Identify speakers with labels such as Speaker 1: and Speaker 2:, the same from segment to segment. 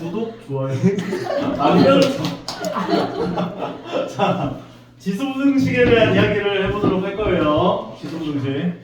Speaker 1: 구독, 좋아요. 알림 설정. 자, 지수분식에 대한 이야기를 해보도록 할 거예요. 지수분식.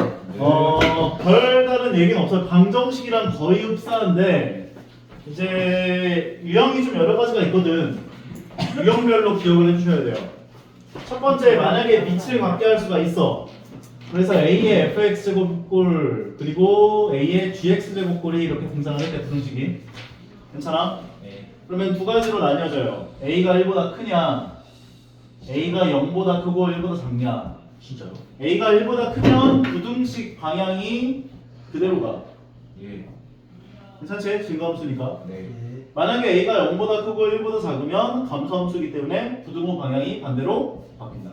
Speaker 1: 별다른 얘기는 없어요. 방정식이랑 거의 흡사한데 이제 유형이 좀 여러 가지가 있거든. 유형별로 기억을 해주셔야 돼요. 첫 번째, 만약에 밑을 갖게 할 수가 있어. 그래서 A의 fx제곱꼴 그리고 A의 gx제곱꼴이 이렇게 등장을 했대, 부등식이. 괜찮아?
Speaker 2: 네.
Speaker 1: 그러면 두 가지로 나뉘어져요. A가 1보다 크냐, A가 0보다 크고 1보다 작냐.
Speaker 2: 진짜요?
Speaker 1: A가 1보다 크면 부등식 방향이 그대로 가.
Speaker 2: 예.
Speaker 1: 괜찮지? 증가함수니까.
Speaker 2: 네.
Speaker 1: 만약에 A가 0보다 크고 1보다 작으면 감소함수이기 때문에 부등호 방향이 반대로 바뀐다.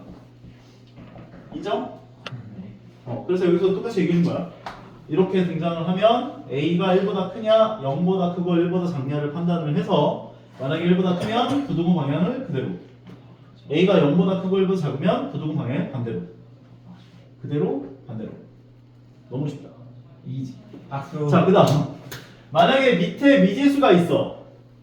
Speaker 1: 인정? 그래서 여기서 똑같이 얘기해 준 거야. 이렇게 등장을 하면 A가 1보다 크냐, 0보다 크고 1보다 작냐를 판단을 해서 만약에 1보다 크면 부등호 방향을 그대로, A가 0보다 크고 1보다 작으면 부등호 방향 반대로, 그대로 반대로. 너무 쉽다. 이지.
Speaker 2: 박수.
Speaker 1: 자, 그 다음 만약에 밑에 미지수가 있어.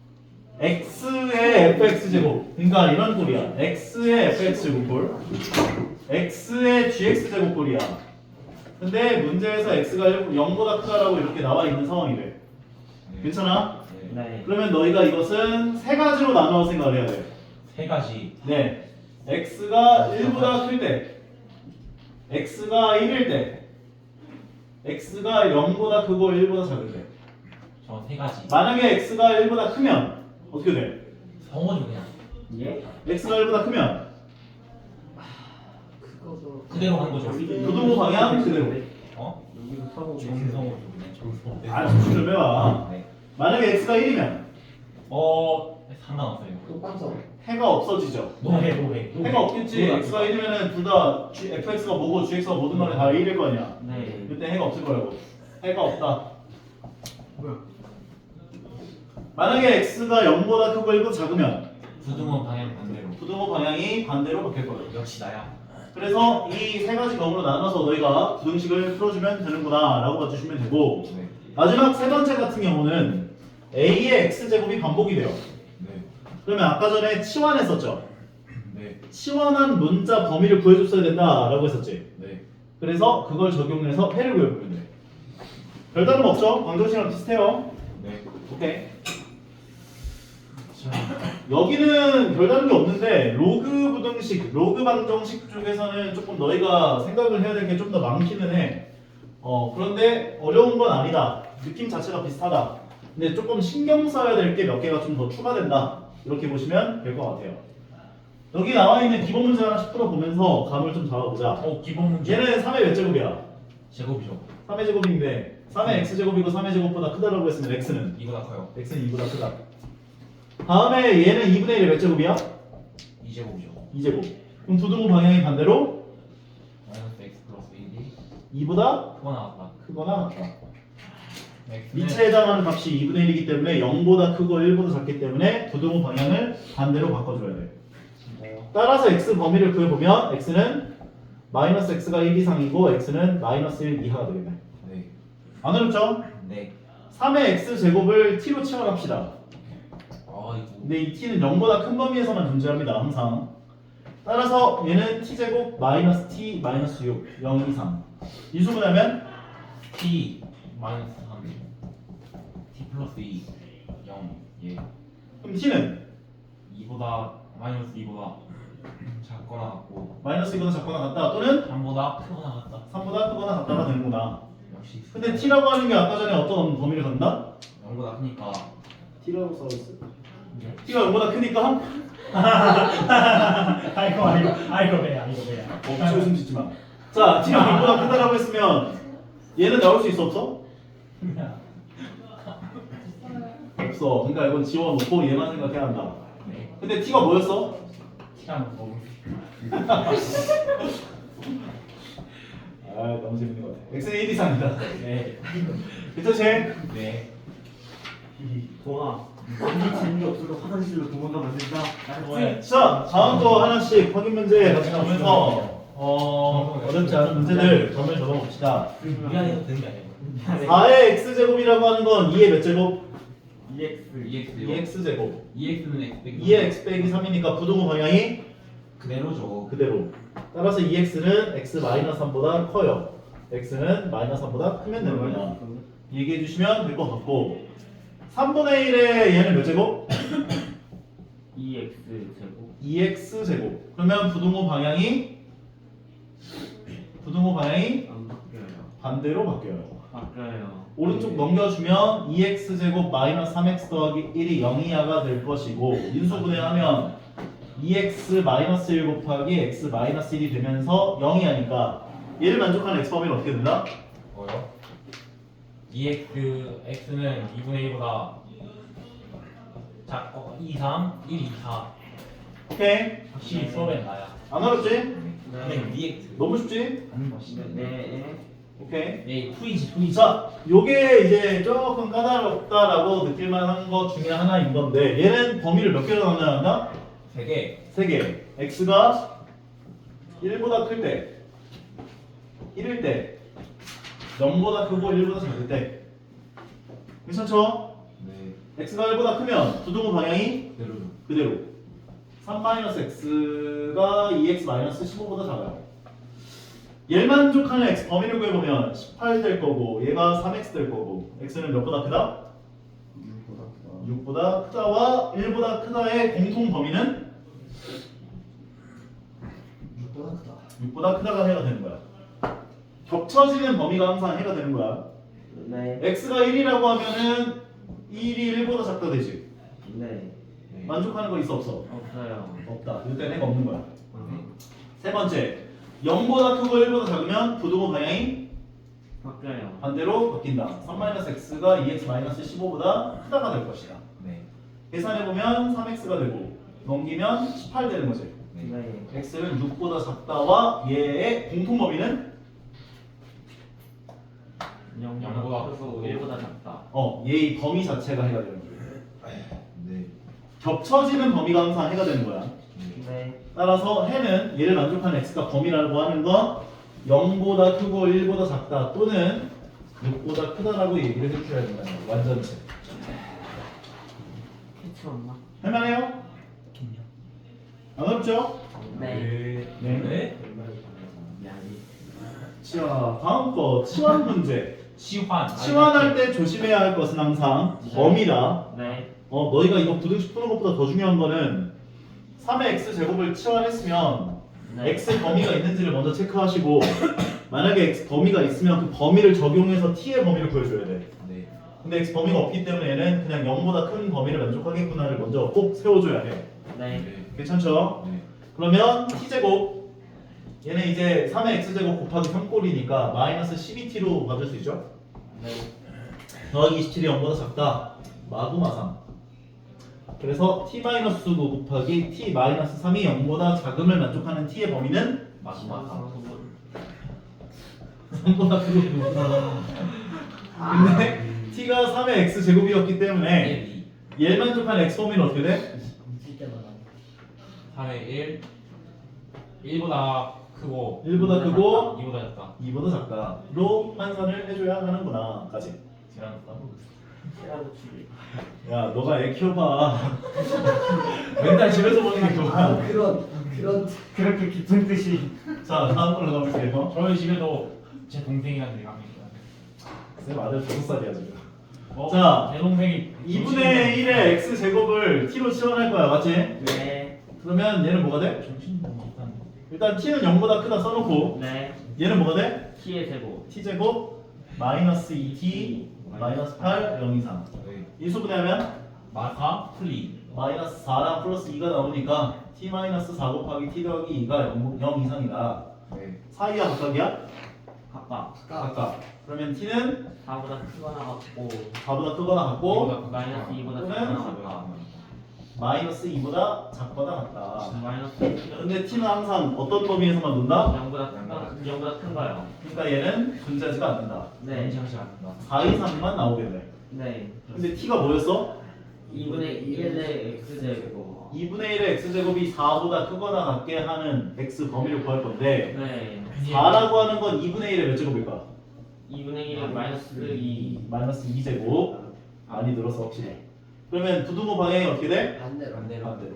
Speaker 1: x의 fx제곱, 그러니까 이런 꼴이야. x의 fx제곱꼴, x의 gx제곱꼴이야. 근데 문제에서 x가 0보다 크다라고 이렇게 나와 있는 상황이래.
Speaker 2: 네.
Speaker 1: 괜찮아?
Speaker 2: 네.
Speaker 1: 그러면 너희가 이것은 세 가지로 나눠 생각을 해야 돼.
Speaker 2: 세 가지.
Speaker 1: 네, x가 1보다 클 때, x가 1일 때, x가 0보다 크고 1보다 작을 때.
Speaker 2: 저 세 가지.
Speaker 1: 만약에 x가 1보다 크면 어떻게 돼?
Speaker 2: 성원이 그냥.
Speaker 3: 예?
Speaker 1: x가 1보다 크면
Speaker 3: 그거죠.
Speaker 2: 그대로 한 거죠.
Speaker 1: 부등호 방향 그대로.
Speaker 2: 어?
Speaker 3: 여기서 사고
Speaker 2: 정성으로 그냥 정성.
Speaker 1: 아, 수술 좀 해봐.
Speaker 2: 네.
Speaker 1: 만약에 x가 1이면
Speaker 2: 상관없어요.
Speaker 3: 똑같죠.
Speaker 1: 해가 없어지죠.
Speaker 2: 노해.
Speaker 1: 해가 없겠지. x가 1이면은 둘 다 fx가 뭐고 gx가 뭐든 간에 다 1일 거 아니야.
Speaker 2: 네.
Speaker 1: 그때 해가 없을 거라고. 해가 없다.
Speaker 3: 뭐야?
Speaker 1: 만약에 x가 0보다 크고 1보다 작으면
Speaker 2: 부등호 방향 반대로.
Speaker 1: 부등호 방향이 반대로 바뀔 거예요.
Speaker 2: 역시 나야.
Speaker 1: 그래서 이 세 가지 경우로 나눠서 너희가 부등식을 풀어주면 되는구나 라고 봐주시면 되고,
Speaker 2: 네.
Speaker 1: 마지막 세 번째 같은 경우는 a의 x제곱이 반복이 돼요.
Speaker 2: 네.
Speaker 1: 그러면 아까 전에 치환했었죠.
Speaker 2: 네.
Speaker 1: 치환한 문자 범위를 구해줬어야 된다라고 했었지.
Speaker 2: 네.
Speaker 1: 그래서 그걸 적용해서 해를 구해보면 돼. 별다름 없죠? 방정식이랑 비슷해요.
Speaker 2: 네.
Speaker 1: 오케이. 여기는 별다른 게 없는데 로그 부등식, 로그 방정식 쪽에서는 조금 너희가 생각을 해야 될 게 좀 더 많기는 해. 그런데 어려운 건 아니다. 느낌 자체가 비슷하다. 근데 조금 신경 써야 될 게 몇 개가 좀 더 추가된다. 이렇게 보시면 될 것 같아요. 여기 나와 있는 기본 문제 하나씩 풀어보면서 감을 좀 잡아보자.
Speaker 2: 기본 문제.
Speaker 1: 얘는 3의 몇 제곱이야?
Speaker 2: 제곱이죠.
Speaker 1: 3의 제곱인데 3의 x제곱이고 3의 제곱보다 크다라고 했으면 x는
Speaker 2: 이보다 커요.
Speaker 1: x는 2보다 크다. 다음에 얘는 2분의 1의 몇 제곱이야?
Speaker 2: 2제곱이죠.
Speaker 1: 2제곱. 그럼 부등호 방향이 반대로
Speaker 2: 마이너스 x 플러스 1이
Speaker 1: 2보다
Speaker 2: 크거나 같다.
Speaker 1: 크거나 같다.
Speaker 2: x는
Speaker 1: 밑에 해당하는 값이 2분의 1이기 때문에 0보다 크고 1보다 작기 때문에 부등호 방향을 반대로 바꿔줘야 돼. 따라서 x 범위를 구해보면 x는 마이너스 x가 1 이상이고 x는 마이너스 1 이하가 되겠네.
Speaker 2: 네.
Speaker 1: 안 어렵죠?
Speaker 2: 네.
Speaker 1: 3의 x제곱을 t로 치환합시다.
Speaker 2: 이거.
Speaker 1: 근데 이 t는 0보다 큰 범위에서만 존재합니다. 항상. 따라서 얘는 t제곱 마이너스 t 마이너스 6 0 이상. 인수분해하면
Speaker 2: t 마이너스 3 t 플러스 2 0 예.
Speaker 1: 그럼 t는
Speaker 2: 2보다 마이너스 2보다 작거나 같고
Speaker 1: 마이너스 2보다 작거나 같다 또는
Speaker 2: 3보다 크거나 같다.
Speaker 1: 3보다 크거나 같다가 되는구나.
Speaker 2: 역시
Speaker 1: 근데 t라고 하는 게 아까 전에 어떤 범위를 갖나?
Speaker 2: 0보다 크니까
Speaker 1: t라고 써있어. t가 0보다 크니까
Speaker 3: 아이고 배야.
Speaker 1: 없지 웃음 짓지 마. 자, t가 0보다 크다라고 했으면 얘는 나올 수 있어 없어? 없어. 그러니까 이건 지워놓고 얘만 생각해야 한다.
Speaker 2: 네.
Speaker 1: 근데 t가 뭐였어?
Speaker 2: 티랑 너무
Speaker 1: 아, 너무 재밌는 것 같아. x는 1 이상이다.
Speaker 2: 네.
Speaker 1: 괜찮지?
Speaker 2: 네.
Speaker 3: 동아. 아무 재미없어도 화장실로 도망가면 된다.
Speaker 1: 자, 다음 거 하나씩 확인 문제 같이 가면서 어렵지 않은 문제들 점을 적어봅시다.
Speaker 2: 미안해서 되는 게 아니에요.
Speaker 1: 4의 x제곱이라고 하는 건 2의 몇 제곱?
Speaker 3: EX
Speaker 1: 2x 제곱.
Speaker 2: EX는 X 빼기
Speaker 1: 2의 x 빼기 3이니까 부등호 방향이
Speaker 2: 그대로죠.
Speaker 1: 그대로. 따라서 2x는 x 마이너스 3보다 커요. x는 마이너스 3보다 크면 되는 거야. 얘기해 주시면 될 것 같고 3분의 1의 얘는 몇 제곱?
Speaker 3: EX 제곱
Speaker 1: 2x 제곱. 그러면 부등호 방향이
Speaker 3: 안 바뀌어요.
Speaker 1: 반대로 바뀌어요.
Speaker 3: 바뀌어요.
Speaker 1: 오른쪽 넘겨주면 2x 제곱 마이너스 3x 더하기 1이 0 이하가 될 것이고 인수분해하면 2x 마이너스 1 곱하기 x 마이너스 1이 되면서 0이 하니까 얘를 만족하는 x 범위는 어떻게 된다?
Speaker 2: 뭐요? X는 2분의 1보다 작고 2, 3, 1, 2, 4
Speaker 1: 오케이.
Speaker 2: 확실히 수업엔 나야.
Speaker 1: 안 어렵지?
Speaker 2: 근데 DX
Speaker 1: 너무 쉽지?
Speaker 2: 아는 것이
Speaker 3: 네.
Speaker 1: 오케이.
Speaker 2: 네, 풀이지.
Speaker 1: 자, 요게 이제 조금 까다롭다라고 느낄만한 것 중에 하나인 건데 얘는 범위를 몇 개로 나눠야
Speaker 2: 3개.
Speaker 1: 3개. x가 1보다 클 때, 1일 때, 0보다 크고 1보다 작을 때. 괜찮죠?
Speaker 2: 네.
Speaker 1: x가 1보다 크면 부등호 방향이
Speaker 2: 그대로죠.
Speaker 1: 그대로. 3-x가 2x-15보다 작아요. 얘를 만족하는 x 범위를 구해보면 18 될 거고 얘가 3x 될 거고 x는 몇보다 크다? 6보다 크다와 1보다 크다의 공통 범위는
Speaker 3: 6보다 크다.
Speaker 1: 6보다 크다가 해가 되는 거야. 겹쳐지는 범위가 항상 해가 되는 거야.
Speaker 3: 네.
Speaker 1: x가 1이라고 하면은 1이 1보다 작다 되지.
Speaker 3: 네.
Speaker 1: 만족하는 거 있어 없어?
Speaker 3: 없어요.
Speaker 1: 없다. 이때는 해가 없는 거야.
Speaker 3: 네.
Speaker 1: 세 번째, 0보다 크고 1보다 작으면 부등호 방향이
Speaker 3: 바뀌어요.
Speaker 1: 반대로 바뀐다. 3-x가 2x-15보다 크다가 될 것이다.
Speaker 2: 네.
Speaker 1: 계산해보면 3x가 되고 넘기면 18 되는 거지.
Speaker 3: 네.
Speaker 1: x는 6보다 작다와 얘의 공통 범위는
Speaker 3: 0보다 크고 1보다 작다.
Speaker 1: 얘의 범위 자체가 해가 되는 거야.
Speaker 2: 네.
Speaker 1: 겹쳐지는 범위가 항상 해가 되는 거야.
Speaker 3: 네.
Speaker 1: 따라서 해는 얘를 만족하는 x가 범위라고 하는 건 0보다 크고 1보다 작다 또는 6보다 크다라고 얘기를 해줘야 된다는 거야. 완전체.
Speaker 3: 캐치 없나?
Speaker 1: 할만해요? 안 어렵죠?
Speaker 3: 네.
Speaker 1: 네.
Speaker 2: 네.
Speaker 1: 자, 다음 거 치환 문제.
Speaker 2: 치환.
Speaker 1: 치환할 때 조심해야 할 것은 항상 범위다.
Speaker 3: 네.
Speaker 1: 너희가 이거 부등식 푸는 것보다 더 중요한 거는 3의 x 제곱을 치환했으면
Speaker 3: 네.
Speaker 1: x 범위가 있는지를 먼저 체크하시고 만약에 x 범위가 있으면 그 범위를 적용해서 t의 범위를 구해줘야 돼.
Speaker 2: 네.
Speaker 1: 근데 x 범위가 없기 때문에 얘는 그냥 0보다 큰 범위를 만족하겠구나를 먼저 꼭 세워줘야 해.
Speaker 3: 네.
Speaker 1: 괜찮죠?
Speaker 2: 네.
Speaker 1: 그러면 t제곱 얘는 이제 3의 x제곱 곱하기 3꼴이니까 마이너스 12t로 받을 수 있죠?
Speaker 3: 네.
Speaker 1: 더하기 27이 0보다 작다. 마구마상. 그래서 t-9 곱하기 t-3이 0보다 작음을 만족하는 t의 범위는
Speaker 2: 마지막.
Speaker 1: 3보다 크고 근데 t가 3의 x제곱이었기 때문에 얘를 만족하는 x 범위는 어떻게 돼?
Speaker 2: 3의 1. 1보다 크고
Speaker 1: 1보다 크고
Speaker 2: 2보다 작다.
Speaker 1: 2보다 작다로 환산을 해줘야 하는구나 까지.
Speaker 2: 제가 따로
Speaker 3: 시라고 추리.
Speaker 1: 야 너가 애 키워봐. 맨날 집에서 보는 게 좋아.
Speaker 3: 그렇게 깊은 뜻이.
Speaker 1: 자 다음 걸로 가볼게요.
Speaker 2: 저희 집에도 제 동생이랑 내가 합니다.
Speaker 1: 쌤 아들 5살이야 지금.
Speaker 2: 어?
Speaker 1: 자,
Speaker 2: 제 동생이
Speaker 1: 2분의 1의 x제곱을 t로 치환할 거야 맞지?
Speaker 3: 네.
Speaker 1: 그러면 얘는 뭐가 돼?
Speaker 2: 정신 너무 없다는 거.
Speaker 1: 일단 t는 0보다 크다 써놓고
Speaker 3: 네.
Speaker 1: 얘는 뭐가 돼?
Speaker 3: t의 제곱.
Speaker 1: t제곱 마이너스 2t 마이너스 8 0 이상
Speaker 2: 네.
Speaker 1: 인수분해하면
Speaker 2: 마카 플리.
Speaker 1: 마이너스 4랑 플러스 2가 나오니까 t 마이너스 4 곱하기 t 더하기 2가 0 이상이다.
Speaker 2: 네.
Speaker 1: 사이야 각각이야?
Speaker 3: 각각.
Speaker 1: 각각. 그러면 t는
Speaker 3: 4보다 크거나 같고
Speaker 1: 4보다 크거나 같고
Speaker 3: 마이너스 2보다
Speaker 1: 또는
Speaker 3: 작거나 같다.
Speaker 1: 마이너스 2보다 작거나 같다.
Speaker 3: 마이너스
Speaker 1: 근데 t는 항상 어떤 범위에서만 논다?
Speaker 3: 0보다 큰가요?
Speaker 1: 그러니까 얘는 존재하지가 않는다.
Speaker 3: 네.
Speaker 2: 정신 안 난다.
Speaker 1: 4 이상만 나오겠네.
Speaker 3: 네.
Speaker 1: 근데 t가 뭐였어?
Speaker 3: 2분의 1의 x제곱.
Speaker 1: 2분의 1의 x제곱이 4보다 크거나 같게 하는 x 범위를 구할 건데
Speaker 3: 네.
Speaker 1: 4라고 하는 건 2분의 1의 몇 제곱일까?
Speaker 3: 2분의 1의 마이너스 2.
Speaker 1: 마이너스 2제곱 많이 늘었어 확실히. 그러면 부등호 방향이 어떻게 돼?
Speaker 4: 반대로.
Speaker 1: 반대로.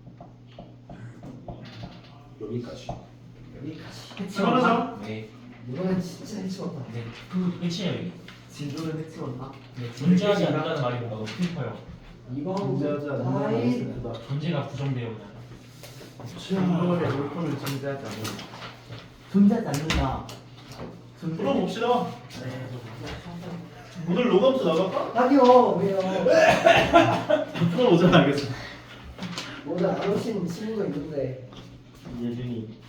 Speaker 1: 여기까지.
Speaker 4: 여기까지.
Speaker 1: 해치워서.
Speaker 2: 네.
Speaker 4: 이거는 진짜 해치웠다.
Speaker 2: 네. 그 끝이에요 여기.
Speaker 4: 진도를 해치웠나?
Speaker 2: 네. 존재하지 않는다는 말이 뭔가 너무 슬퍼요.
Speaker 4: 이거
Speaker 1: 존재하지 않는
Speaker 4: 아이.
Speaker 2: 존재가 부정되어 그냥.
Speaker 3: 이거를 물품을 존재하지 않는다. 존재하지 않는다.
Speaker 1: 풀어봅시다. 오늘 로그함수 나갈까?
Speaker 4: 아니요 왜요?
Speaker 1: 풀어보자 알겠어.
Speaker 4: 오늘 안 오신 친구가 있는데
Speaker 3: 예준이.